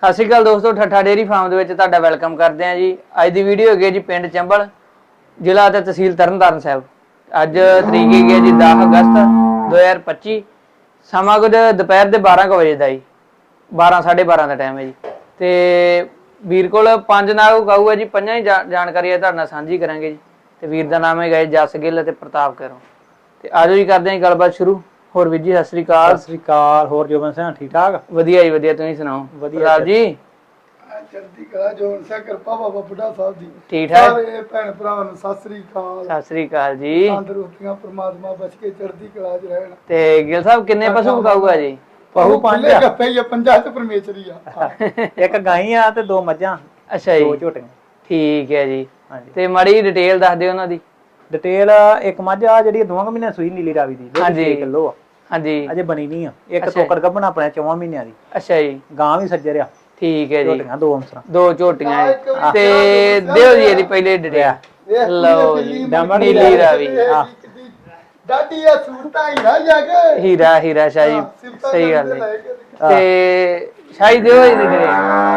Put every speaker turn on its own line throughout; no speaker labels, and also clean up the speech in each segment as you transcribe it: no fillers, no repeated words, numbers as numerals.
ਸਤਿ ਸ਼੍ਰੀ ਅਕਾਲ ਦੋਸਤੋ, ਠੱਠਾ dairy farm ਦੇ ਵਿੱਚ ਤੁਹਾਡਾ ਵੈਲਕਮ ਕਰਦੇ ਹਾਂ ਜੀ। ਅੱਜ ਦੀ ਵੀਡੀਓ ਹੈਗੀ ਜੀ ਪਿੰਡ ਚੰਬਲ, ਜ਼ਿਲ੍ਹਾ ਤੇ ਤਹਿਸੀਲ ਤਰਨਤਾਰਨ ਸਾਹਿਬ। ਅੱਜ ਤਰੀਕ ਹੈਗੀ ਹੈ ਜੀ 10 ਅਗਸਤ 2025। ਸਮਾਂ ਕੁਝ ਦੁਪਹਿਰ ਦੇ 12 ਵਜੇ ਦਾ ਜੀ, 12 12:30 ਦਾ ਟਾਈਮ ਹੈ ਜੀ। ਤੇ ਵੀਰ ਕੋਲ 5 ਨਾਗ ਗਊ ਹੈ ਜੀ, ਪੰਜਾਂ ਹੀ ਜਾਣਕਾਰੀ ਹੈ ਤੁਹਾਡੇ ਨਾਲ ਸਾਂਝੀ ਕਰਾਂਗੇ ਜੀ। ਤੇ ਵੀਰ ਦਾ ਨਾਮ ਹੈਗਾ ਜਸ ਗਿੱਲ ਤੇ ਪ੍ਰਤਾਪ ਕਰੋ। ਤੇ ਆਜੋ ਜੀ ਕਰਦੇ ਹਾਂ ਗੱਲਬਾਤ ਸ਼ੁਰੂ। ਹੋਰ ਵੀਰ ਜੀ ਸਤਿ ਸ਼੍ਰੀ ਅਕਾਲ।
ਸਤਿ ਸ਼੍ਰੀ ਅਕਾਲ। ਹੋਰ ਜੋਬਨ ਸਿੰਘ ਠੀਕ ਠਾਕ?
ਵਧੀਆ ਜੀ ਵਧੀਆ, ਤੁਸੀਂ ਸੁਣਾਓ?
ਵਧੀਆ
ਜੀ
ਚੜ੍ਹਦੀ ਕਲਾ ਜੋਬਨ ਸਿੰਘ ਕਿਰਪਾ ਬਾਬਾ ਬੁੱਢਾ ਸਾਹਿਬ ਦੀ।
ਠੀਕ ਠਾਕ?
ਸਾਰੇ ਭੈਣ ਭਰਾਵਾਂ ਨੂੰ ਸਤਿ ਸ੍ਰੀ ਅਕਾਲ।
ਸਤਿ ਸ਼੍ਰੀ ਅਕਾਲ ਜੀ।
ਤੰਦਰੁਸਤੀਆਂ ਪ੍ਰਮਾਤਮਾ ਬਚ ਕੇ ਚੜ੍ਹਦੀ ਕਲਾ 'ਚ ਰਹਿਣ।
ਤੇ ਗਿੱਲ ਸਾਹਿਬ ਕਿੰਨੇ ਪਸ਼ੂ ਵਿਕਾਊਗਾ ਜੀ?
ਪਹੂ 5 ਆ।
ਗੱਪੇ ਹੀ ਆ, ਪੰਜਾਂ 'ਚ ਪਰਮੇਸ਼ਰੀ ਆ।
ਇੱਕ ਗਾਈ ਆ ਤੇ 2 ਮੱਝਾਂ,
ਅੱਛਾ
2
ਜੀ,
ਝੋਟੀਆਂ।
ਠੀਕ ਹੈ ਜੀ।
ਹਾਂਜੀ।
ਤੇ ਮਾੜੀ ਡਿਟੇਲ ਦੱਸ ਦਿਓ ਉਹਨਾਂ ਦੀ।
ਡਿਟੇਲ ਇੱਕ ਮੱਝ ਆ ਜਿਹੜੀ 2 ਮਹੀਨਿਆਂ ਸੂਈ ਨੀਲੀ ਰਾਵੀ ਦੀ, 6 ਕਿਲੋ ਆ।
ਹਾਂਜੀ,
ਅਜੇ ਬਣੀ ਨਹੀਂ ਆ। ਇੱਕ ਤੋਕੜ ਗੱਭਣ ਆਪਣੇ 4 ਮਹੀਨਿਆਂ ਦੀ।
ਅੱਛਾ ਜੀ,
ਗਾਂ ਵੀ ਸੱਜਰ ਆ।
ਠੀਕ ਹੈ ਜੀ।
ਝੋਟੀਆਂ 2 ਅੰਸਰਾਂ।
2 ਝੋਟੀਆਂ ਜੀ। ਤੇ ਦਿਓ ਜੀ ਇਹਦੀ ਪਹਿਲੇ ਡਿਟੇਲ। ਲਓ ਜੀ, ਨੀਲੀ ਰਾਵੀ।
ਡਾਡੀ ਆ ਸੂਰਤਾਂ ਹੀਰਾ ਜਾ ਕੇ
ਹੀਰਾ ਸ਼ਾਹ ਜੀ, ਸਹੀ ਗੱਲ ਹੈ। ਤੇ ਸ਼ਾਹੀ ਦਿਓ ਇਹਦੀ ਡਿਟੇਲ।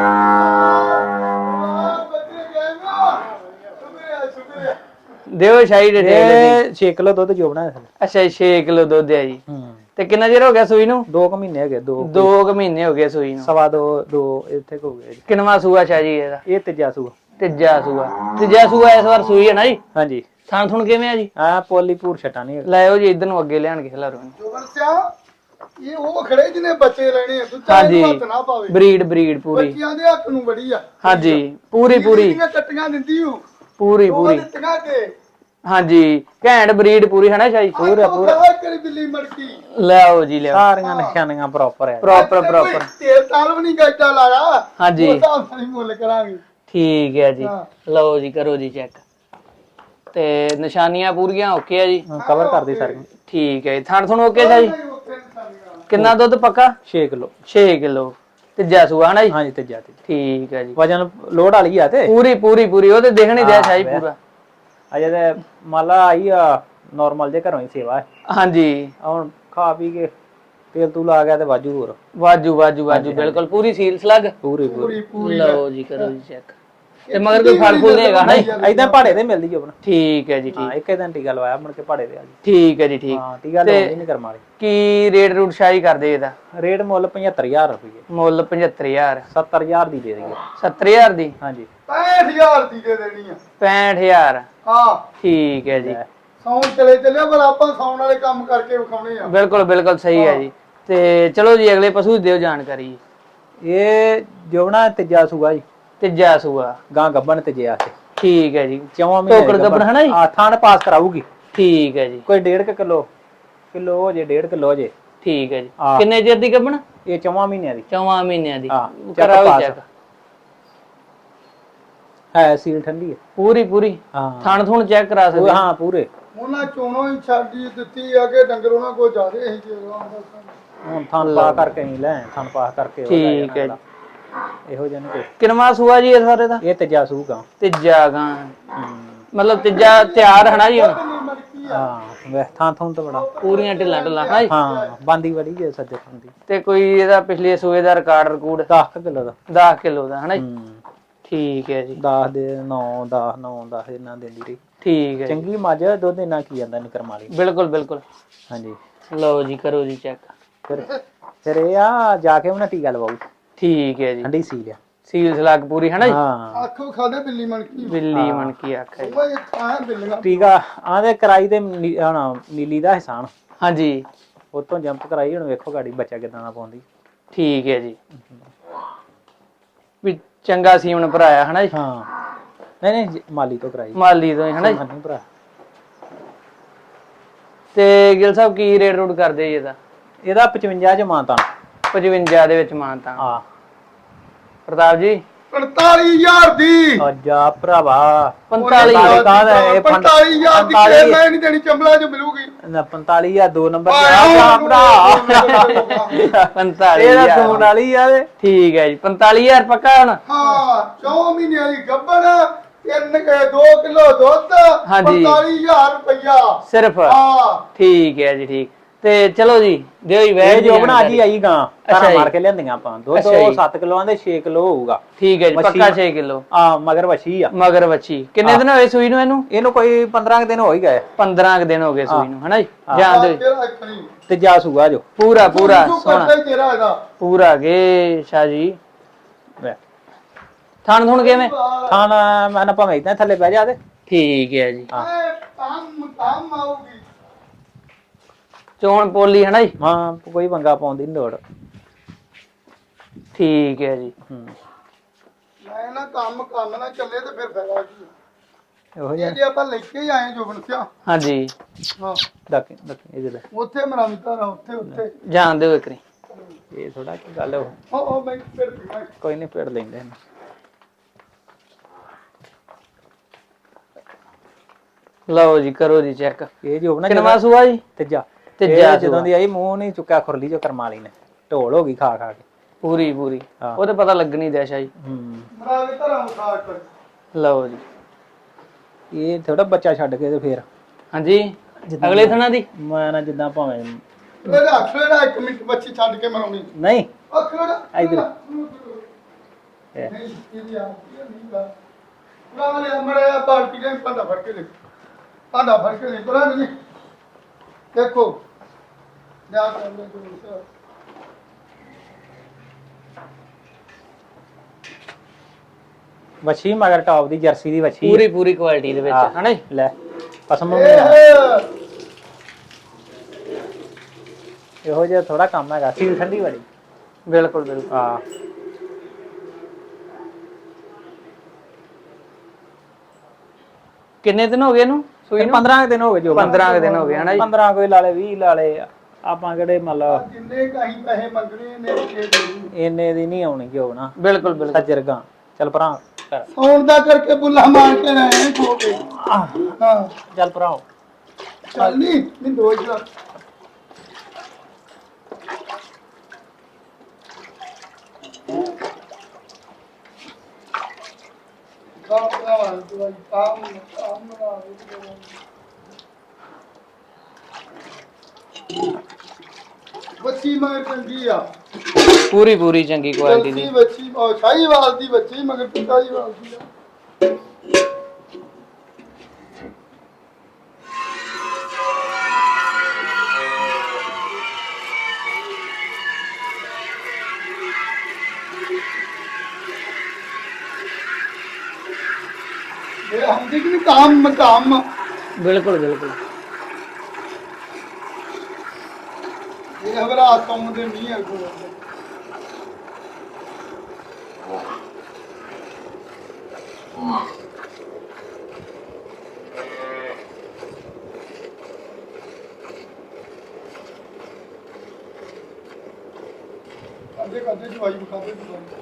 ਦਿਓ ਸ਼ਾਹੀ ਡਿਟੇਲ ਦੀ।
6 ਕਿਲੋ ਦੁੱਧ ਜੋਬਣਾ ਹੈ।
ਅੱਛਾ ਜੀ, 6 ਕਿਲੋ ਦੁੱਧ ਹੈ ਜੀ। ਤੇ ਕਿੰਨਾ ਚਿਰ ਹੋ ਗਿਆ ਸੂਈ ਨੂੰ?
2 ਮਹੀਨੇ ਹੈਗੇ।
2 ਮਹੀਨੇ ਹੋ ਗਏ ਸੂਈ ਨੂੰ।
ਸਵਾ 2 ਇੱਥੇ ਹੋ ਗਏ ਜੀ।
ਕਿੰਨਵਾਂ ਸੂਆ ਸ਼ਾਹ ਜੀ ਇਹਦਾ?
ਇਹ ਤੀਜਾ ਸੂਆ।
ਤੀਜਾ ਸੂਆ ਇਸ ਵਾਰ ਸੂਈ ਹੈ ਨਾ ਜੀ।
ਹਾਂਜੀ।
ਥਣ ਥੁਣ ਕਿਵੇਂ ਆ ਜੀ?
ਆ ਪੋਲੀਪੂਰ ਛਟਾ ਨਹੀਂ
ਲਾਇਓ ਜੀ, ਇਧਰ ਨੂੰ ਅੱਗੇ ਲਿਆਣ ਕੇ ਖਿਲਾਰੋ।
ਜੋਬਨ ਸਿਆ ਇਹ ਉਹ ਖੜੇ ਜਿਹਨੇ ਬੱਚੇ ਲੈਣੇ ਆ, ਦੂਜਾ
ਹਾਂਜੀ,
ਹੱਥ ਨਾ ਪਾਵੇ।
ਬਰੀਡ ਪੂਰੀ।
ਬੱਚਿਆਂ ਦੇ ਹੱਥ ਨੂੰ ਬੜੀ ਆ।
ਹਾਂਜੀ, ਪੂਰੀ
ਕੱਟੀਆਂ ਦਿੰਦੀ ਹੂੰ।
ਪੂਰੀ
ਦਿੱਤੀਆਂ ਕੇ।
ਹਾਂਜੀ, ਘੈਂਟ ਬਰੀਡ ਪੂਰੀ ਹੈ ਨਾ ਸ਼ਾਹੀ?
ਪੂਰਾ ਕਰੀ ਬਿੱਲੀ ਮੜਕੀ।
ਲਿਆਓ ਜੀ ਲਿਆਓ।
ਸਾਰੀਆਂ ਨਿਸ਼ਾਨੀਆਂ ਪ੍ਰੋਪਰ ਹੈ।
ਪ੍ਰੋਪਰ
ਤੇਲ ਤਾਲ ਵੀ ਨਹੀਂ ਗੱਡਾ ਲਾਇਆ।
ਹਾਂਜੀ,
ਉਹ ਹਿਸਾਬ ਨਾਲ ਹੀ ਮੁੱਲ ਕਰਾਂਗੇ।
ਠੀਕ ਹੈ ਜੀ। ਲਓ ਜੀ, ਕਰੋ ਜੀ ਚੈੱਕ। ਤੇ ਨਿਸ਼ਾਨੀਆਂ ਪੂਰੀਆਂ ਓਕੇ ਆ ਜੀ।
ਕਵਰ ਕਰਦੀ ਸਾਰੀਆਂ।
ਠੀਕ ਹੈ ਜੀ। ਥਣ ਥਣ ਓਕੇ ਸ਼ਾਹੀ? ਕਿੰਨਾ ਦੁੱਧ ਪੱਕਾ?
6 ਕਿਲੋ।
6 ਕਿਲੋ। ਤੀਜਾ ਸੂਆ ਹੈ ਜੀ?
ਹਾਂਜੀ ਤੀਜਾ।
ਠੀਕ ਹੈ ਜੀ।
ਵਜਨ ਲੋਡ ਵਾਲੀ ਆ ਤੇ
ਪੂਰੀ ਉਹ ਤੇ ਦੇਖਣ ਹੀ ਦਿਆ ਸ਼ਾਹੀ ਪੂਰਾ।
ਅਜੇ ਤੇ ਮਾਲਾ ਆਈ ਆ ਨਾਰਮਲ ਜੇ ਘਰੋਂ ਹੀ ਸੇਵਾ ਹੈ।
ਹਾਂਜੀ,
ਹੁਣ ਖਾ ਪੀ ਕੇ ਤੇਲ ਤੂਲ ਆ ਗਿਆ ਤੇ ਵਾਜੂ ਹੋਰ
ਵਾਜੂ ਬਿਲਕੁਲ ਪੂਰੀ ਸੀਲ ਸਲੱਗ
ਪੂਰੀ।
ਲਓ ਜੀ, ਕਰੋ ਜੀ ਚੈੱਕ। ਤੇ ਮਗਰ ਕੋਈ ਫਲ ਫੁੱਲ ਦੇਗਾ ਨਾ?
ਇਦਾਂ ਭਾੜੇ ਤੇ ਮਿਲਦੀ ਜੋਬਨ।
ਠੀਕ ਹੈ ਜੀ,
ਹਾਂ, ਇੱਕ ਦਿਨ ਟੀਕਾ ਲਵਾਇਆ ਮੁੜ ਕੇ ਭਾੜੇ ਤੇ ਆ ਗਈ।
ਠੀਕ ਹੈ ਜੀ, ਠੀਕ।
ਹਾਂ, ਟੀਕਾ ਲਾਉਣੀ ਨਹੀਂ ਕਰਮ ਵਾਲੀ।
ਕੀ ਰੇਟ ਰੂਟ ਸ਼ਾਹੀ ਕਰਦੇ ਇਹਦਾ?
ਰੇਟ ਮੁੱਲ 75000 ਰੁਪਏ।
ਮੁੱਲ 75000।
70000 ਦੀ ਦੇ ਦੇਈਏ।
70000 ਦੀ?
ਹਾਂਜੀ।
65000 ਦੀ ਦੇ ਦੇਣੀ ਆ।
65000?
ਹਾਂ,
ਠੀਕ ਹੈ ਜੀ।
ਸੌਣ ਚਲੇ ਚੱਲਿਆ, ਪਰ ਆਪਾਂ ਸੌਣ ਵਾਲੇ ਕੰਮ ਕਰਕੇ ਵਿਖਾਉਣੇ ਆ।
ਬਿਲਕੁਲ ਸਹੀ ਹੈ ਜੀ। ਤੇ ਚਲੋ ਜੀ ਅਗਲੇ ਪਸ਼ੂ ਦਿਓ ਜਾਣਕਾਰੀ।
ਇਹ ਜੋਬਣਾ ਤੀਜਾ ਸੂਆ ਜੀ।
ਤੀਜਾ ਸੂਆ।
ਗਾਂ ਗੱਬਣ ਤੇ ਜਿਆ ਤੇ।
ਠੀਕ ਹੈ ਜੀ।
4 ਮਹੀਨੇ
ਟੋਕੜ ਗੱਬਣ ਹੈ ਨਾ ਜੀ?
ਹਾਂ, ਥਾਣ ਪਾਸ ਕਰਾਊਗੀ।
ਠੀਕ ਹੈ ਜੀ।
ਕੋਈ 1.5 ਕਿਲੋ ਹੋ ਜੇ, 1.5 ਕਿਲੋ ਹੋ ਜੇ।
ਠੀਕ ਹੈ ਜੀ। ਕਿੰਨੇ ਚਿਰ ਦੀ ਗੱਬਣ?
ਇਹ 4 ਮਹੀਨਿਆਂ ਦੀ।
4 ਮਹੀਨਿਆਂ ਦੀ।
ਹਾਂ,
ਕਰਾਓ ਚੈੱਕ।
ਹੈ ਸੀਲ ਠੰਡੀ ਹੈ
ਪੂਰੀ।
ਹਾਂ,
ਥਣ ਥੁਣ ਚੈੱਕ ਕਰਾ ਸਕਦੇ?
ਹਾਂ ਪੂਰੇ।
ਉਹਨਾਂ ਚੋਣੋਂ ਹੀ ਛੱਡੀ ਦਿੱਤੀ ਆ ਕਿ ਡੰਗਰ ਉਹਨਾਂ ਕੋਲ ਜ਼ਿਆਦੇ ਸੀ ਜੇ
ਹੁਣ ਥਣ ਪਾ ਕਰਕੇ ਨਹੀਂ ਲੈ, ਥਣ ਪਾ ਕਰਕੇ
ਠੀਕ ਹੈ ਜੀ।
ਇਹੋ ਜਿਹੇ ਨੇ।
ਕਿੰਨਵਾਂ ਸੂਆ ਜੀ ਇਸ ਸਾਰੇ ਦਾ?
ਇਹ ਤੀਜਾ ਸੂਗਾ।
ਤੀਜਾ ਗਾਂ ਮਤਲਬ ਤੀਜਾ ਤਿਆਰ ਹੈ ਨਾ ਜੀ ਹੁਣ?
ਹਾਂ, ਵੇ ਥਾਂ ਤਾਂ ਬੜਾ
ਪੂਰੀਆਂ ਢਿੱਲਾਂ ਹੈ ਜੀ?
ਹਾਂ, ਬਾਂਦੀ ਬੜੀ ਜੇ ਸੱਜੇ ਹੁੰਦੀ।
ਤੇ ਕੋਈ ਇਹਦਾ ਪਿਛਲੇ ਸੂਏ ਦਾ ਰਿਕਾਰਡ
10 ਕਿਲੋ ਦਾ।
10 ਕਿਲੋ ਦਾ ਹੈ ਨਾ ਜੀ? ਠੀਕ ਹੈ ਜੀ।
10 ਦੇ 9 10 ਇਹਨਾਂ ਦਿੰਦੀ ਰਹੀ।
ਠੀਕ ਹੈ।
ਚੰਗੀ ਮੱਝ ਦੁੱਧ ਇਹਨਾਂ ਕੀ ਜਾਂਦਾ ਨਿਕਰ ਮਾਲੀ।
ਬਿਲਕੁਲ।
ਹਾਂਜੀ।
ਲਓ ਜੀ, ਕਰੋ ਜੀ ਚੈੱਕ।
ਫਿਰ ਇਹ ਆ ਜਾ ਕੇ ਉਹਨਾਂ ਟੀਕਾ ਲਵਾਉ।
ਠੀਕ ਹੈ ਜੀ।
ਠੰਡੀ ਸੀਲ ਆ।
ਸੀਲ ਸਲਾਗ ਪੂਰੀ ਹੈ ਨਾ ਜੀ?
ਹਾਂ,
ਆਖੋ ਖਾਦੇ ਬਿੱਲੀ ਮਣਕੀ।
ਬਿੱਲੀ ਮਣਕੀ ਆਖਿਆ ਜੀ।
ਉਹ ਖਾਂ ਬਿੱਲੀਆਂ।
ਟੀਕਾ ਆਂਦੇ ਕਰਾਈ ਤੇ ਨੀਲੀ ਦਾ ਹਿਸਾਨ।
ਹਾਂਜੀ।
ਉਤੋਂ ਜੰਪ ਕਰਾਈ, ਹੁਣ ਵੇਖੋ ਗਾੜੀ ਬੱਚਾ ਕਿਦਾਂ ਦਾ ਪਾਉਂਦੀ।
ਠੀਕ ਹੈ ਜੀ। ਵੀ ਚੰਗਾ ਸੀਮਨ ਭਰਾਇਆ ਹੈ ਨਾ ਜੀ?
ਹਾਂ, ਨਹੀਂ ਮਾਲੀ ਤੋਂ ਕਰਾਈ।
ਮਾਲੀ ਤੋਂ ਹੈ ਨਾ ਜੀ?
ਨਹੀਂ ਭਰਾ।
ਤੇ ਗਿੱਲ ਸਾਹਿਬ ਕੀ ਰੇਟ ਰੂਟ ਕਰਦੇ ਜੀ ਇਹਦਾ?
ਇਹਦਾ 55 ਚ ਮਾਨਤਾ।
55 ਦੇ ਵਿੱਚ ਮਾਨਤਾ।
ਹਾਂ।
ਪ੍ਰਤਾਪ ਜੀ
45000 ਦੀ।
ਅੱਜਾ ਭਰਾਵਾ
45
ਕਾਹਦਾ ਇਹ
45000 ਦੀ ਕੇ ਮੈਂ ਨਹੀਂ ਦੇਣੀ, ਚੰਬਲਾ ਚ ਮਿਲੂਗੀ।
45 ਆ 2 ਨੰਬਰ
ਆ
ਭਰਾ।
45
ਇਹਦਾ ਸੋਨ ਵਾਲੀ ਆ ਤੇ।
ਠੀਕ ਹੈ ਜੀ। 45000 ਪੱਕਾ ਹੁਣ?
ਹਾਂ, 4 ਮਹੀਨਿਆਂ ਦੀ ਗੱਬਣ, 2 ਕਿਲੋ ਦੁੱਧ।
ਹਾਂਜੀ।
45000 ਰੁਪਇਆ
ਸਿਰਫ?
ਹਾਂ,
ਠੀਕ ਹੈ ਜੀ, ਠੀਕ। ਤੇ ਚਲੋ ਜੀ ਦਿਓ ਜੀ
ਇਹ
ਵੈਜ
ਜੋ ਬਣਾ ਜੀ ਆਈ ਗਾਂ
ਅੱਛਾ
ਘਰਾਂ
ਜੀ।
ਮਾਰ ਕੇ ਲਿਆਂਦੀਆਂ ਆਪਾਂ ਦੁੱਧ
ਅੱਛਾ ਜੀ।
7 ਕਿਲੋਆਂ ਦੇ 6 ਕਿਲੋ ਹੋਊਗਾ।
ਠੀਕ ਹੈ ਜੀ
ਮੱਛੀ-
ਪੱਕਾ 6 ਕਿਲੋ
ਆ ਮਗਰ ਵਛੀ ਆ
ਮਗਰ ਵੱਛੀ ਕਿੰਨੇ ਦਿਨ ਹੋਏ ਸੂਈ ਨੂੰ
ਇਹਨੂੰ ਕੋਈ 15 ਦਿਨ ਹੋ ਹੀ ਗਏ
15 ਕੁ ਦਿਨ ਹੋ ਗਏ ਸੂਈ ਨੂੰ ਹਨਾ ਜੀ
ਹਾਂ।
ਜਾਣ ਦਿਓ ਜੀ।
ਤੇਰਾ ਅੱਖਣੀ
ਤੇ ਜਾ ਸੂਆ ਜੋ
ਪੂਰਾ ਪੂਰਾ ਸੋਹਣਾ
ਕਰਦਾ ਤੇਰਾ ਇਹਦਾ
ਪੂਰਾ ਗੇ ਸ਼ਾਹ ਜੀ ਥਣ ਥੁਣ ਕਿਵੇਂ
ਖਾਣਾ ਮੈਂ ਨਾ ਭਾਵੇਂ ਇਦਾਂ ਥੱਲੇ ਬਹਿ ਜਾ ਤੇ
ਠੀਕ ਹੈ ਜੀ
ਕੰਮ ਆਊਗੀ
ਚੋਣ ਪੋਲੀ ਹਨਾ ਜੀ
ਹਾਂ ਕੋਈ ਪੰਗਾ ਪਾਉਂਦੀ ਨੀ ਲੋੜ।
ਠੀਕ ਹੈ ਜੀ
ਮੈਂ ਨਾ ਕੰਮ ਨਾ ਚੱਲੇ ਤੇ ਫਿਰ ਫਾਇਦਾ ਕੀ
ਇਹੋ
ਇਹ
ਜਿਹਾ
ਜੇ ਆਪਾਂ ਲੈ ਕੇ ਹੀ ਆਏ ਜੋਬਨ ਸਿਆ
ਹਾਂਜੀ
ਹਾਂ
ਡੱਕ ਇਹਦੇ ਲੈ
ਉੱਥੇ ਮਰਾਮਿਤਾ ਰਾ ਉੱਥੇ
ਜਾਣ ਦਿਓ ਇੱਕ ਰੀ
ਇਹ ਥੋੜਾ ਕੀ ਗੱਲ ਹੋ
ਉਹ ਮੈਂ ਫਿਰ
ਕੋਈ ਨਹੀਂ ਪੇੜ ਲੈਂਦੇ ਨੇ।
ਲਓ ਜੀ ਕਰੋ ਜੀ ਚੈੱਕ
ਇਹ ਜੋ ਨਾ
ਕਿੰਨਾ ਸੂਆ ਜੀ
ਤੀਜਾ
ਤੀਜਾ
ਜਦੋਂ ਦੀ ਆਈ ਮੂੰਹ ਨਹੀਂ ਚੁੱਕਿਆ ਖੁਰਲੀ ਜੋ ਕਰਮਾਲੀ ਨੇ ਢੋਲ ਹੋ ਗਈ ਖਾ ਖਾ ਕੇ।
ਪੂਰੀ ਪੂਰੀ
ਹਾਂ।
ਉਹ ਤੇ ਪਤਾ ਲੱਗਣੀ ਦਿਆ ਸ਼ਾਹ ਜੀ
ਮਰਾਮਿਤਾ ਰਾ ਉਠਾ ਕਰ
ਲਓ ਜੀ
ਇਹ ਥੋੜਾ ਬੱਚਾ ਛੱਡ ਕੇ ਤੇ ਫੇਰ
ਹਾਂਜੀ ਅਗਲੇ ਥਣਾ ਦੀ
ਮੈਂ ਨਾ ਜਿੱਦਾਂ ਭਾਵੇਂ
ਇਹਦਾ ਅਖੜਾ 1 ਮਿੰਟ ਬੱਚੀ ਛੱਡ ਕੇ ਮਰਾਉਣੀ
ਨਹੀਂ
ਅਖੜਾ
ਇੱਧਰ।
ਨਹੀਂ ਇਹਦੀ ਆ ਨਹੀਂ ਗਾ ਪੁਰਾਣਾ ਲੈ ਮੜਿਆ ਬਾਲਟੀ ਦੇ ਭਾਂਡਾ ਫੜ ਕੇ ਲੈ ਭਾਂਡਾ ਫੜ ਕੇ ਲੈ ਪੁਰਾਣਾ ਨਹੀਂ ਦੇਖੋ ਜਾ ਕਰ ਲੈ ਜੋ
ਵਛੀ ਮਗਰ ਟੌਪ ਦੀ ਜਰਸੀ ਦੀ ਵਛੀ
ਪੂਰੀ ਪੂਰੀ ਕੁਆਲਿਟੀ ਦੇ ਵਿੱਚ
ਹਾਂ।
ਹਨਾ ਜੀ
ਲੈ ਪਸਮ
ਇਹ
ਇਹੋ ਜਿਹਾ ਥੋੜਾ ਕੰਮ ਹੈਗਾ ਸੀਲ ਠੰਡੀ ਵਾਲੀ।
ਬਿਲਕੁਲ ਬਿਲਕੁਲ
ਹਾਂ
ਕਿੰਨੇ ਦਿਨ ਹੋ ਗਏ ਇਹਨੂੰ ਸੂਈ ਨੂੰ
15 ਦਿਨ ਹੋ ਗਏ ਜੋ
15 ਕੁ ਦਿਨ ਹੋ ਗਏ ਹਨਾ ਜੀ
15 ਕੋਈ ਲਾ ਲੇ 20 ਲਾ ਲੇ ਆਪਾਂ ਕਿਹੜੇ ਮਤਲਬ
ਜਿੰਨੇ ਕਹੀਂ ਪੈਸੇ ਮੰਗਣੇ ਨੇ ਦੇ ਦੇ
ਇੰਨੇ ਦੀ ਨਹੀਂ ਆਉਣੀ ਜੋ ਨਾ
ਬਿਲਕੁਲ ਬਿਲਕੁਲ
ਸੱਜਰਗਾ ਚੱਲ ਭਰਾ ਕਰ
ਸੌਣ ਦਾ ਕਰਕੇ ਬੁੱਲਾ ਮਾਰ ਕੇ ਰਹੇ ਖੋ ਕੇ ਹਾਂ
ਚੱਲ ਭਰਾ
ਚੱਲ ਨਹੀਂ ਦੋ ਹੀ ਲਾ ਬੱਚੀ ਮਗਰ ਚੰਗੀ ਆ
ਪੂਰੀ ਪੂਰੀ ਚੰਗੀ ਕੁਆਲਿਟੀ ਦੀ
ਬੱਚੀ ਸ਼ਾਹੀਵਾਲ ਦੀ ਬੱਚੀ ਮਗਰ ਪਿਤਾ ਜੀ ਵਾਲ ਦੀ ਆ ਇਹ ਹਮ ਦੇਖ ਨਹੀਂ ਕੰਮ
ਬਿਲਕੁਲ ਬਿਲਕੁਲ
ਇਹ ਹਵਰਾ ਕੰਮ ਦੇ ਨਹੀਂ ਹੈ ਕੋਈ ਕਰਦੇ ਦਵਾਈ ਬਖਾਦੇ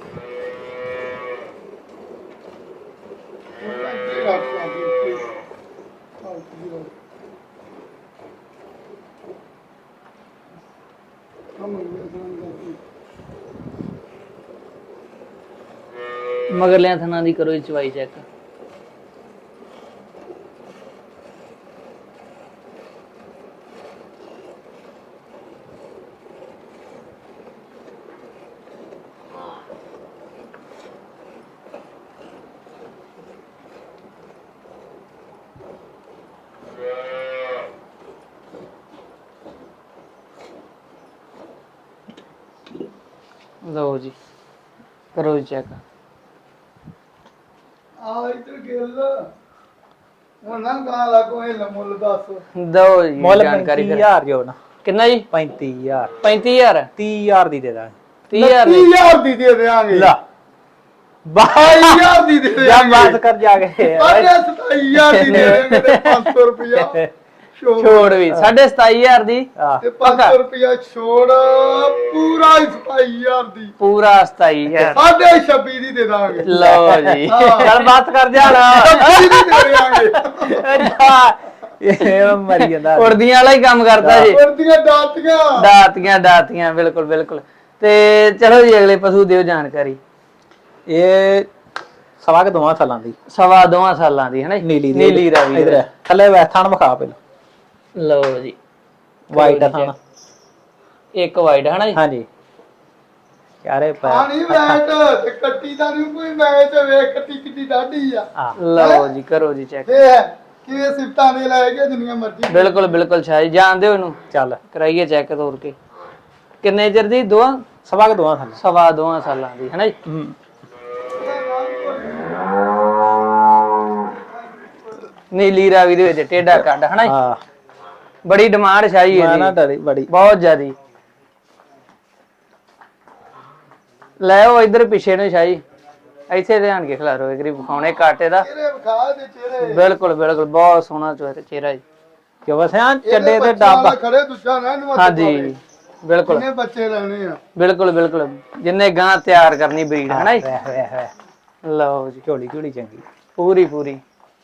ਮਗਰਲਿਆਂ ਥਣਾ ਦੀ ਕਰੋ ਜੀ ਚਵਾਈ ਚੈੱਕ ਲਓ ਜੀ ਕਰੋ ਜੀ ਚੈੱਕ
ਆ ਇੱਧਰ ਗਿੱਲ ਹੁਣ ਨਾ ਗਾ ਲੱਗੋ ਇਹ ਮੁੱਲ ਦੱਸ
ਦੋ ਜੀ
ਮੁੱਲ
ਜਾਣਕਾਰੀ ਫਿਰ
35000 ਜੋ ਨਾ
ਕਿੰਨਾ ਜੀ
35000
35000
30000 ਦੀ ਦੇ ਦਾਂਗੇ
30000 ਦੀ
30000 ਦੀ ਦੇ ਦੇਾਂਗੇ
ਲਾ
22000 ਦੀ ਦੇ
ਜਾਂ
ਦੇਾਂਗੇ
ਬਾਤ ਕਰ ਜਾ ਕੇ
27000 ਦੀ ਦੇ ਦੇਾਂਗੇ ਤੇ 500 ਰੁਪਇਆ
ਛੋੜ ਵੀ 27500 ਦੀ
ਆਹ
ਤੇ 500 ਰੁਪਇਆ ਛੋੜ ਪੂਰਾ 27000 ਦੀ
ਪੂਰਾ 27000
26 ਦੀ ਦੇ ਦਾਂਗੇ
ਲਓ ਜੀ
ਚੱਲ ਬਾਤ ਕਰ ਜਾ ਨਾ
26 ਦੀ ਦੇ ਦੇਾਂਗੇ
ਇਹ ਮਰੀ ਜਾਂਦਾ
ਉੜਦੀਆਂ ਵਾਲਾ ਹੀ ਕੰਮ ਕਰਦਾ ਜੀ
ਵਰਦੀਆਂ ਦਾਤੀਆਂ
ਦਾਤੀਆਂ ਬਿਲਕੁਲ ਬਿਲਕੁਲ ਤੇ ਚਲੋ ਜੀ ਅਗਲੇ ਪਸ਼ੂ ਦਿਓ ਜਾਣਕਾਰੀ
ਇਹ ਸਵਾ ਕੇ 2 ਸਾਲਾਂ ਦੀ
ਸਵਾ 2 ਸਾਲਾਂ ਦੀ ਹੈ ਨਾ ਜੀ? ਨੀਲੀ ਰਾਵੀ
ਇਧਰ ਥੱਲੇ ਵੈਥਾਨ ਵਿਖਾ ਪਹਿਲਾਂ
ਲਓ ਜੀ
ਵਾਈਟ ਥਾਣਾ
ਇੱਕ ਵਾਈਡ ਹਨਾ ਜੀ
ਹਾਂਜੀ ਚਾਰੇ
ਪਾਣੀ ਵੈਟ ਤੇ ਕੱਟੀ ਦਾ ਨਹੀਂ ਕੋਈ ਮੈਚ ਵੇਖ ਕੱਟੀ ਕਿੱਡੀ ਡਾਢੀ ਆ
ਹਾਂ
ਲਓ ਜੀ ਕਰੋ ਜੀ ਚੈੱਕ
ਇਹ ਕਿਵੇਂ ਸਿਫਤਾਂ ਦੇ ਲੈ ਕੇ ਜਿੰਨੀਆਂ ਮਰਜ਼ੀ
ਬਿਲਕੁਲ ਬਿਲਕੁਲ ਸ਼ਾਹ ਜੀ ਜਾਣਦੇ ਹੋ ਇਹਨੂੰ
ਚੱਲ
ਕਰਾਈਏ ਚੈੱਕ ਤੋਰ ਕੇ ਕਿੰਨੇ ਚਿਰ ਦੀ ਦੋਵਾਂ
ਸਵਾ ਕੁ ਦੋਵਾਂ ਥੱਲੇ
ਸਵਾ ਦੋਵਾਂ ਸਾਲਾਂ ਦੀ ਹਨਾ ਜੀ ਨੀਲੀ ਰਾਵੀ ਦੇ ਵਿੱਚ ਟੇਡਾ ਕੱਢ ਹਨਾ ਜੀ
ਹਾਂ
ਬੜੀ ਡਿਮਾਂਡ ਸ਼ਾਹੀ
ਮੈਂ ਨਾ
ਇਹਦੀ
ਡਰੀ ਬੜੀ
ਬਹੁਤ ਜ਼ਿਆਦੀ ਲੈ ਉਹ ਇਧਰ ਪਿੱਛੇ ਨੂੰ ਸ਼ਾਹੀ ਇੱਥੇ ਧਿਆਨ ਕੇ ਖਿਲਾਰੋ ਇਗਰੀ ਵਿਖਾਉਣੇ ਕਾਟੇ ਦਾ
ਚਿਹਰੇ ਵਿਖਾ ਦੇ ਚਿਹਰੇ
ਬਿਲਕੁਲ ਬਿਲਕੁਲ ਬਹੁਤ ਸੋਹਣਾ ਚਿਹਰਾ ਜੀ
ਕਿ ਵਸਿਆ ਚੱਡੇ
ਇਹਦੇ
ਤੇ
ਬੱਚਿਆਂ
ਡੱਬ
ਨਾਲ ਖੜੇ ਦੂਜਾ ਨਾ ਇਹਨੂੰ ਹੱਥ
ਹਾਂਜੀ
ਪਾਵੇ।
ਬਿਲਕੁਲ
ਕਿੰਨੇ ਬੱਚੇ ਲੈਣੇ ਆ
ਬਿਲਕੁਲ ਬਿਲਕੁਲ ਜਿੰਨੇ ਗਾਂ ਤਿਆਰ ਕਰਨੀ ਬਰੀਡ ਹਨਾ ਜੀ
ਵੇ
ਲਓ ਜੀ
ਝੋਲੀ ਝੋਲੀ ਚੰਗੀ
ਪੂਰੀ ਪੂਰੀ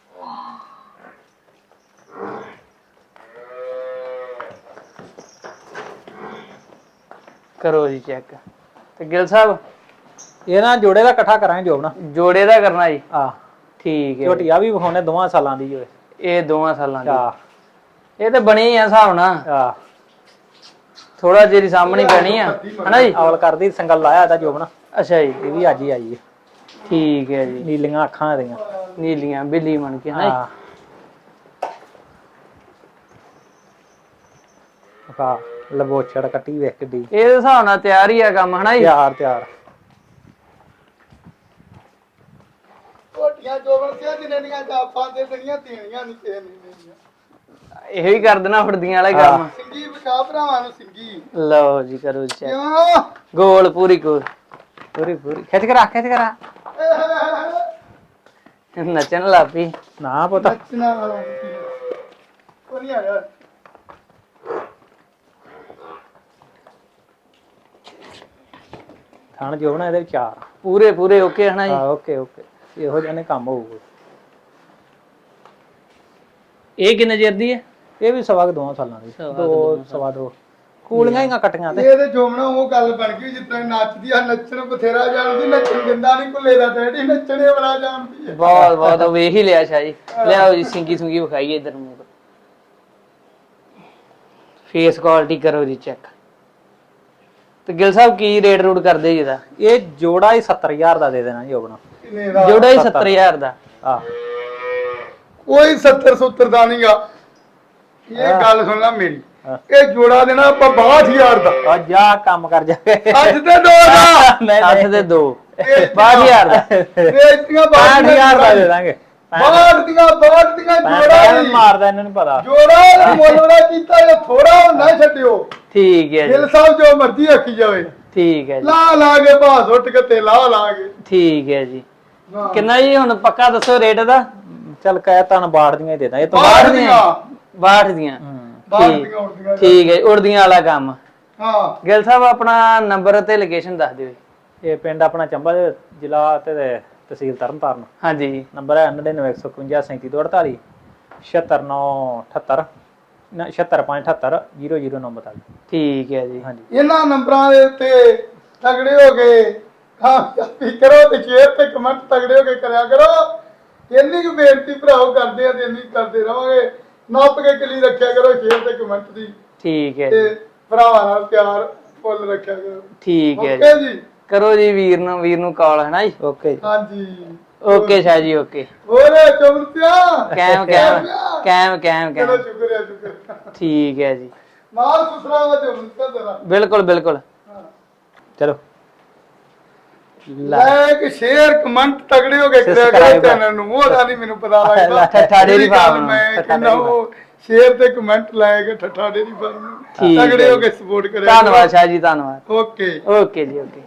ਕਰੋ ਜੀ ਚੈੱਕ ਤੇ ਗਿਲ ਸਾਹਿਬ
ਇਹ ਨਾ ਜੋੜੇ ਦਾ ਇਕੱਠਾ ਕਰਾਂਗੇ ਜੋਬਣਾ
ਜੋੜੇ ਦਾ ਕਰਨਾ ਜੀ
ਆ
ਠੀਕ ਹੈ
ਝੋਟੀ ਆ ਵੀ ਵਿਖਾਉਣੇ ਦੋਵਾਂ ਸਾਲਾਂ ਦੀ ਹੋਏ
ਇਹ 2 ਸਾਲਾਂ ਦੀ
ਆ
ਇਹ ਤੇ ਬਣੀ ਆ ਹਿਸਾਬ ਨਾਲ
ਆ
ਥੋੜਾ ਜਿਹੀ ਸਾਹਮਣੀ ਪੈਣੀ ਆ ਹਨਾ ਜੀ
ਅਵਲ ਕਰਦੀ ਸੰਗਲ ਲਾਇਆ ਇਹਦਾ ਜੋਬਣਾ
ਅੱਛਾ ਜੀ
ਇਹ ਵੀ ਅੱਜ ਹੀ ਆਈ ਹੈ
ਠੀਕ ਹੈ ਜੀ
ਨੀਲੀਆਂ ਅੱਖਾਂ ਇਹਦੀਆਂ
ਨੀਲੀਆਂ ਬਿੱਲੀ ਬਣ ਕੇ ਹਨਾ
ਆ ਆ ਲਬੋਚੜ ਕੱਟੀ ਵੇਖ ਕਿੱਡੀ
ਜੀ ਇਹ ਹਿਸਾਬ ਨਾਲ ਤਿਆਰ ਹੀ ਆ ਕੰਮ ਹਨਾ ਜੀ
ਤਿਆਰ ਤਿਆਰ
ਝੋਟੀਆਂ ਜੋਬਨ ਸਿਆ ਦਿਨੇ ਦੀਆਂ ਜਾਪਾਂ ਦੇ ਦੇਣੀਆਂ ਦੇਣੀਆਂ ਨਹੀਂ ਕਿਸੇ ਨੇ ਦੇਣੀਆਂ
ਇਹੋ ਹੀ ਕਰ ਦੇਣਾ ਫੜਦੀਆਂ ਵਾਲਾ ਕੰਮ
ਸਿੰਗੀ ਵਿਖਾ ਭਰਾਵਾਂ ਨੂੰ ਸਿੰਗੀ
ਲਓ ਜੀ ਕਰੋ ਚੈੱਕ
ਕਿਉਂ
ਗੋਲ ਪੂਰੀ ਗੋਲ
ਪੂਰੀ ਪੂਰੀ ਖਿੱਚ ਕੇ ਰੱਖ ਖਿੱਚ ਕੇ ਰੱਖ
ਨੱਚਣ ਲੱਗ ਪਈ
ਨਾ ਪੁੱਤ
ਨੱਚਣਾ ਵਾਲਾ ਕੋਈ ਨਹੀਂ ਆਇਆ
ਥਣ ਜੋਬਣਾ ਇਹਦੇ ਵਿੱਚ ਚਾਰ
ਪੂਰੇ ਪੂਰੇ ਓਕੇ ਹਨਾ ਜੀ
ਹਾਂ ਓਕੇ ਓਕੇ ਇਹੋ ਜਿਹੇ ਨੇ ਕੰਮ ਹੋਊਗਾ
ਇਹ ਕਿੰਨੇ ਚਿਰ ਦੀ ਹੈ
ਇਹ ਵੀ ਸਵਾ ਕੁ ਦੋਵਾਂ ਸਾਲਾਂ ਦੀ ਸਵਾ ਦੋ ਕੂਲੀਆਂ ਹੀ ਕੱਟੀਆਂ ਤੇ
ਇਹ ਤੇ ਜੋਮਣਾ ਉਹ ਗੱਲ ਬਣ ਗਈ ਜਿਸ ਤਰ੍ਹਾਂ ਨੱਚਦੀ ਆ ਨੱਚਣ ਬਥੇਰਾ ਜਾਣਦੀ ਨੱਚਣ ਦਿੰਦਾ ਨਹੀਂ ਕੁੱਲੇ ਦਾ ਡੈਡੀ ਨੱਚਣੇ ਬੜਾ ਜਾਣਦੀ ਹੈ
ਬਹੁਤ ਬਹੁਤ ਉਹ ਵੇਖ ਹੀ ਲਿਆ ਸ਼ਾਹ ਜੀ ਲਿਆਓ ਜੀ ਸਿੰਗੀ ਸੁੰਗੀ ਵਿਖਾਈਏ ਇਧਰ ਨੂੰ ਫੇਸ ਕੁਆਲਿਟੀ ਕਰੋ ਜੀ ਚੈੱਕ ਤੇ ਗਿਲ ਸਾਹਿਬ ਕੀ ਰੇਟ ਰੂਟ ਕਰਦੇ ਜੀ ਇਹਦਾ
ਇਹ ਜੋੜਾ ਹੀ 70000 ਦਾ ਦੇ ਦੇਣਾ ਜੀ ਆਪਣਾ
ਕਿੰਨੇ ਦਾ
ਜੋੜਾ ਹੀ 70000 ਦਾ
ਆ
ਕੋਈ 70 70 ਦਾ ਨਹੀਂਗਾ ਇਹ ਗੱਲ ਸੁਣ ਲੈ ਮੇਰੀ ਇਹ ਜੋੜਾ ਦੇਣਾ ਆਪਾਂ 62000 ਦਾ
ਆ ਜਾ ਕੰਮ ਕਰ ਜਾ ਕੇ
ਅੱਜ ਤੇ ਦੋ ਦਾ
ਨਹੀਂ
8 ਦੇ 2
ਇਹ
62000 ਦਾ
ਵੇਚਤੀਆਂ
65000 ਦਾ ਦੇ ਦਾਂਗੇ
ਬਾਹਰ ਦੀਆਂ ਜੋੜਾ ਨਹੀਂ
ਮਾਰਦਾ ਇਹਨਾਂ ਨੂੰ ਪਤਾ
ਜੋੜਾ ਮੁੱਲ ਵਾਲਾ ਕੀਤਾ ਇਹ ਥੋੜਾ ਨਾ ਛੱਡਿਓ
ਠੀਕ ਹੈ ਜੀ
ਦਿਲ ਸਾਹਿਬ ਜੋ ਮਰਜ਼ੀ ਆਖੀ ਜਾਵੇ
ਠੀਕ ਹੈ ਜੀ
ਲਾ ਕੇ ਬਾਸ ਉੱਟ ਕੇ ਤੇ ਲਾ ਕੇ
ਠੀਕ ਹੈ ਜੀ ਕਿੰਨਾ ਜੀ ਹੁਣ ਪੱਕਾ ਦੱਸੋ ਰੇਟ ਦਾ
ਚੱਲ ਕਹਿ ਤਾਂ ਬਾੜ ਦੀਆਂ ਹੀ ਦੇ ਦਾਂ ਇਹ ਤੋਂ
ਬਾਹਰ ਦੀਆਂ
62 ਦੀਆਂ
ਬਾਹਰ ਦੀਆਂ ਉੱਡਦੀਆਂ
ਠੀਕ ਹੈ ਉੜਦੀਆਂ ਵਾਲਾ ਕੰਮ
ਹਾਂ
ਗਿਲ ਸਾਹਿਬ ਆਪਣਾ ਨੰਬਰ ਤੇ ਲੋਕੇਸ਼ਨ ਦੱਸ ਦਿਓ ਜੀ
ਇਹ ਪਿੰਡ ਆਪਣਾ ਚੰਬਾ ਦੇ ਜ਼ਿਲ੍ਹਾ ਤੇ ਤਹਿਸੀਲ ਤਰਨਤਾਰਨ
ਹਾਂਜੀ
ਨੰਬਰ ਹੈ 9915537248 76978 76578 009
ਠੀਕ ਹੈ ਜੀ
ਹਾਂਜੀ
ਇਹਨਾਂ ਨੰਬਰਾਂ ਦੇ ਉੱਤੇ ਤਗੜੇ ਹੋ ਗਏ ਕਾਮਯਾਬੀ ਕਰੋ ਤੇ ਸ਼ੇਅਰ ਤੇ ਕਮੈਂਟ ਤਗੜੇ ਹੋ ਕੇ ਕਰਿਆ ਕਰੋ ਇੰਨੀ ਕੁ ਬੇਨਤੀ ਭਰਾਓ ਕਰਦੇ ਆ ਤੇ ਇੰਨੀ ਕਰਦੇ ਰਵਾਂਗੇ ਨੱਪ ਕੇ ਕਲੀ ਰੱਖਿਆ ਕਰੋ ਸ਼ੇਅਰ ਤੇ ਕਮੈਂਟ ਦੀ
ਠੀਕ ਹੈ
ਤੇ
ਜੀ
ਭਰਾਵਾਂ ਨਾਲ ਪਿਆਰ ਫੁੱਲ ਰੱਖਿਆ ਕਰੋ
ਠੀਕ ਹੈ
ਓਕੇ
ਜੀ
ਜੀ
ਕਰੋ ਜੀ ਵੀਰ ਨੂੰ ਕਾਲ ਹੈ ਨਾ ਜੀ
ਓਕੇ
ਹਾਂਜੀ
ਓਕੇ ਸ਼ਾਹ ਜੀ ਓਕੇ
ਹੋਰ ਚਮਰਤਿਆ
ਕੈਮ ਕੈਮ ਕੈਮ ਕੈਮ
ਚਲੋ
ਕੈਮ
ਸ਼ੁਕਰ ਹੈ ਸ਼ੁਕਰ
ਠੀਕ ਹੈ ਜੀ
ਮਾਲ ਸੁਸਰਾ ਵਾ ਚਮਰਤਿਆ ਤੇਰਾ
ਬਿਲਕੁਲ ਬਿਲਕੁਲ
ਚਲੋ
ਲਾਈਕ ਸ਼ੇਅਰ ਕਮੈਂਟ ਤਗੜੇ ਹੋ ਕੇ ਕਰਿਆ ਕਰੋ ਚੈਨਲ ਨੂੰ ਉਹਦਾ ਨਹੀਂ ਮੈਨੂੰ ਪਤਾ ਲੱਗਦਾ
ਠੱਠਾ ਡੇਅਰੀ ਫਾਰਮ ਨੂੰ,
ਮੈਂ
ਠੱਠਾ
ਕਹਿੰਦਾ ਉਹ ਸ਼ੇਅਰ ਤੇ ਕਮੈਂਟ ਲਾਏਗਾ ਠੱਠਾ ਡੇਅਰੀ ਫਾਰਮ ਨੂੰ
ਠੀਕ
ਤਗੜੇ
ਹੈ
ਹੋ ਕੇ ਸਪੋਰਟ ਕਰਿਆ
ਧੰਨਵਾਦ ਸ਼ਾਹ ਜੀ ਧੰਨਵਾਦ
ਓਕੇ
ਓਕੇ ਜੀ ਓਕੇ